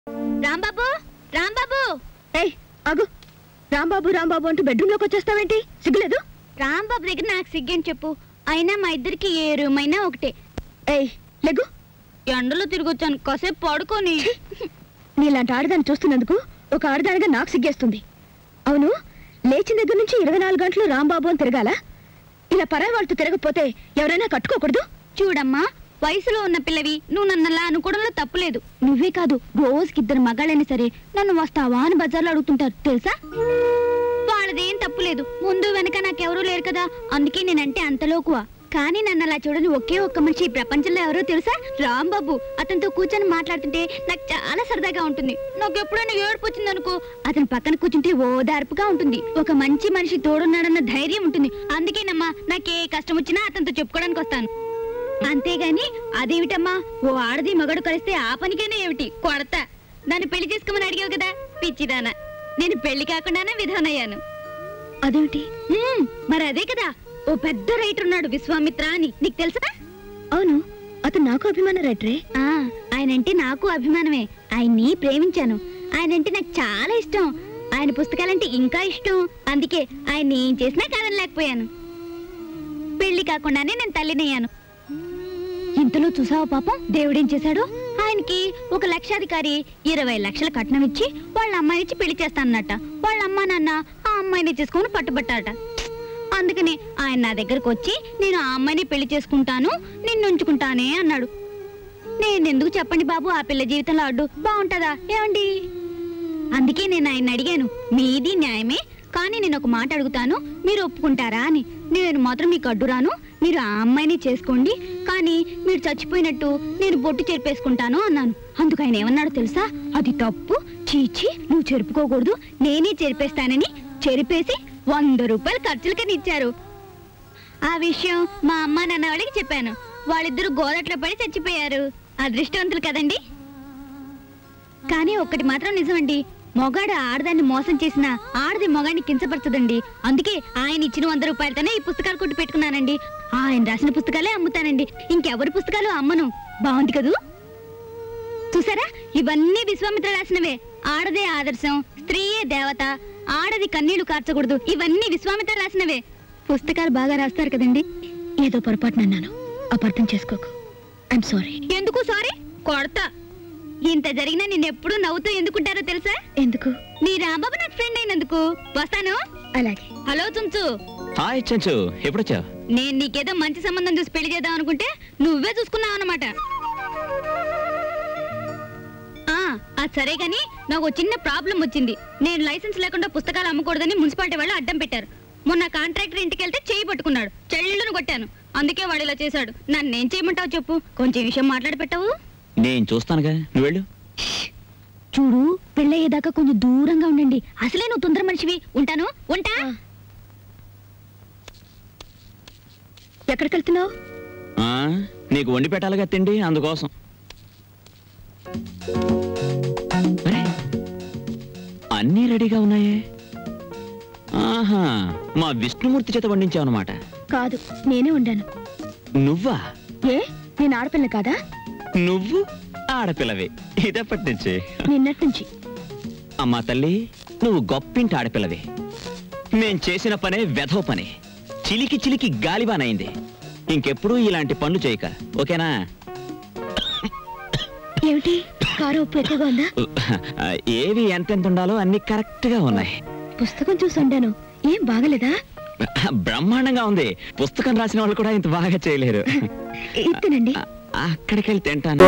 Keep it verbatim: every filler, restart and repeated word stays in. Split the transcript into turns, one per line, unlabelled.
రాంబాబు రాంబాబు
ఏయ్ ఆగు. రాంబాబు రాంబాబు అంటూ బెడ్రూమ్ లోకి వచ్చేస్తావేంటి? సిగ్గులేదు?
రాంబాబు దగ్గర నాకు సిగ్గని చెప్పు. అయినా మా ఇద్దరికి ఏ రూమ్ అయినా ఒకటే.
ఏయ్ లెగ్గు.
ఎండలో తిరిగొచ్చాను, కాసేపు పడుకొని.
నీలాంటి ఆడదాన్ని చూస్తున్నందుకు ఒక ఆడదానిగా నాకు సిగ్గేస్తుంది. అవును, లేచిన దగ్గర నుంచి ఇరవై నాలుగు గంటలు రాంబాబు అని తిరగాల? ఇలా పరాయి వాళ్ళతో తిరగకపోతే ఎవరైనా కట్టుకోకూడదు?
చూడమ్మా, వయసులో ఉన్న పిల్లవి నువ్వు నన్నలా అనుకోవడంలో తప్పులేదు. నువ్వే కాదు, రోజుకి ఇద్దరు మగాళ్ళైనా సరే నన్ను వస్తావా అని బజార్లో అడుగుతుంటారు తెలుసా. వాళ్ళదేం తప్పులేదు, ముందు వెనక నాకెవరూ లేరు కదా, అందుకే నేనంటే అంతలోకువా. కానీ నన్ను అలా చూడని ఒకే ఒక్క మనిషి ఈ ప్రపంచంలో ఎవరో తెలుసా? రాంబాబు. అతనితో కూర్చొని మాట్లాడుతుంటే నాకు చాలా సరదాగా ఉంటుంది. నాకు ఎప్పుడైనా ఏడుపు వచ్చింది అనుకో, అతని పక్కన కూర్చుంటే ఓదార్పుగా ఉంటుంది. ఒక మంచి మనిషి తోడున్నాడన్న ధైర్యం ఉంటుంది. అందుకేనమ్మా నాకే కష్టం వచ్చినా అతనితో చెప్పుకోవడానికి వస్తాను. అంతేగాని అదేమిటమ్మా, ఓ ఆడది మగడు కలిస్తే ఆ పనికైనా ఏమిటి కొడతా. నన్ను పెళ్లి చేసుకోమని అడిగావు కదా పిచ్చిదానా, నేను పెళ్లి కాకుండానే విధానయ్యాను.
అదేమిటి?
మరి అదే కదా, ఓ పెద్ద రైటర్ ఉన్నాడు విశ్వామిత్ర అని, నీకు తెలుసా?
అవును, అతను నాకు అభిమాన రైటరే.
ఆ ఆయనంటే నాకు అభిమానమే. ఆయన్ని ప్రేమించాను. ఆయనంటే నాకు చాలా ఇష్టం. ఆయన పుస్తకాలంటే ఇంకా ఇష్టం. అందుకే ఆయన్ని ఏం చేసినా కాదనలేకపోయాను. పెళ్లి కాకుండానే నేను తల్లినయ్యాను. ఇంతలో చూసావా పాపం దేవుడేం చేశాడు? ఆయనకి ఒక లక్షాధికారి ఇరవై లక్షల కట్నం ఇచ్చి వాళ్ళ అమ్మాయినిచ్చి పెళ్లి చేస్తానన్నట. వాళ్ళ అమ్మా నాన్న ఆ అమ్మాయిని చేసుకుని పట్టుబట్టారట. అందుకని ఆయన నా దగ్గరకు వచ్చి నేను ఆ అమ్మాయిని పెళ్లి చేసుకుంటాను, నిన్ను ఉంచుకుంటానే అన్నాడు. నేనెందుకు చెప్పండి బాబు ఆ పిల్ల జీవితంలో అడ్డు? బాగుంటుందా ఏమండి? అందుకే నేను ఆయన అడిగాను, మీది న్యాయమే, కానీ నేను ఒక మాట అడుగుతాను, మీరు ఒప్పుకుంటారా అని. నేను మాత్రం మీకు అడ్డురాను, మీరు ఆ అమ్మాయిని చేసుకోండి, కానీ మీరు చచ్చిపోయినట్టు నేను బొట్టు చెరిపేసుకుంటాను అన్నాను. అందుకు ఆయన ఏమన్నాడు తెలుసా? అది తప్పు, చీచి నువ్వు చెరుపుకోకూడదు, నేనే చెరిపేస్తానని చెరిపేసి వంద రూపాయలు ఖర్చులకని ఇచ్చారు. ఆ విషయం మా అమ్మ నాన్న వాళ్ళకి చెప్పాను. వాళ్ళిద్దరూ గోదట్లో పడి చచ్చిపోయారు. అదృష్టవంతులు కదండి. కానీ ఒక్కటి మాత్రం నిజమండి, మొగాడు ఆడదాన్ని మోసం చేసిన ఆడది మొగాడిని కించపరచదండి. అందుకే ఆయన ఇచ్చిన వంద రూపాయలతోనే ఈ పుస్తకాలు కొట్టి పెట్టుకున్నానండి. ఆయన రాసిన పుస్తకాలే అమ్ముతానండి, ఇంకెవరి పుస్తకాలు అమ్మను. బాగుంది కదూ? చూసారా, ఇవన్నీ విశ్వామిత్ర రాసినవే. ఆడదే ఆదర్శం, స్త్రీయే దేవత, ఆడది కన్నీళ్లు కార్చకూడదు, ఇవన్నీ విశ్వామిత్ర రాసినవే. పుస్తకాలు బాగా రాస్తారు కదండి.
ఏదో పొరపాటున అన్నాను, అపార్థం చేసుకోకు. I'm sorry.
ఎందుకు సారీ? కొడతా. ఇంత జరిగినా నేను ఎప్పుడు నవ్వుతూ ఎందుకుంటారో తెలుసా?
ఎందుకు?
నీ రాంబాబు నాకు ఫ్రెండ్ అయినందుకు. వస్తాను.
అలాగే.
హలో చుంచు.
హాయ్ చెంచు, ఎప్పుడొచ్చావు?
నేను నీకేదో మంచి సంబంధం చూసి పెళ్లి చేద్దాం అనుకుంటే నువ్వే చూసుకున్నావు అన్నమాట. అది సరే గాని నాకు చిన్న ప్రాబ్లం వచ్చింది. నేను లైసెన్స్ లేకుండా పుస్తకాలు అమ్మకూడదని మున్సిపాలిటీ వాళ్ళు అడ్డం పెట్టారు. మొన్న కాంట్రాక్టర్ ఇంటికి వెళ్తే చేయి పట్టుకున్నాడు, చెల్లును కొట్టాను. అందుకే వాడు ఇలా చేశాడు. నన్నేం చేయమంటావు చెప్పు? కొంచెం విషయం మాట్లాడి పెట్టావు.
నేను చూస్తానుగా, నువ్వు వెళ్ళు.
చూడు, పెళ్ళయ్యేదాకా కొంచెం దూరంగా ఉండండి. అసలే నువ్వు తొందర మనిషివి. ఉంటాను, ఉంటా.
ఎక్కడికి వెళ్తున్నావు?
నీకు వండి పెట్టాలిగా తిండి, అందుకోసం. అన్నీ రెడీగా ఉన్నాయే. ఆహా, మా విష్ణుమూర్తి చేత వండించావు అన్నమాట.
కాదు, నేనే వండాను.
నువ్వా?
ఏ, నేను ఆడపిల్ల కాదా?
నువ్వు ఆడపిల్లవే ఇదప్పటి నుంచి.
నిన్నటి నుంచి.
అమ్మా తల్లి, నువ్వు గొప్పింటి ఆడపిల్లవే. మేం చేసిన పనే వెధవ పని, చిలికి చిలికి గాలిబానైంది. ఇంకెప్పుడు ఇలాంటి పనులు చేయక, ఓకేనా?
ఏమిటి, కారం ఉప్పు ఎక్కువగా ఉందా?
ఏవి ఎంతెంత ఉండాలో అన్ని కరెక్ట్ గా ఉన్నాయి.
పుస్తకం చూసి వండాను, ఏం బాగలేదా?
బ్రహ్మాండంగా ఉంది. పుస్తకం రాసిన వాళ్ళు కూడా ఇంత బాగా చేయలేరు.
ఇత్తనండి.
అక్కడికి వెళ్ళి తింటాను.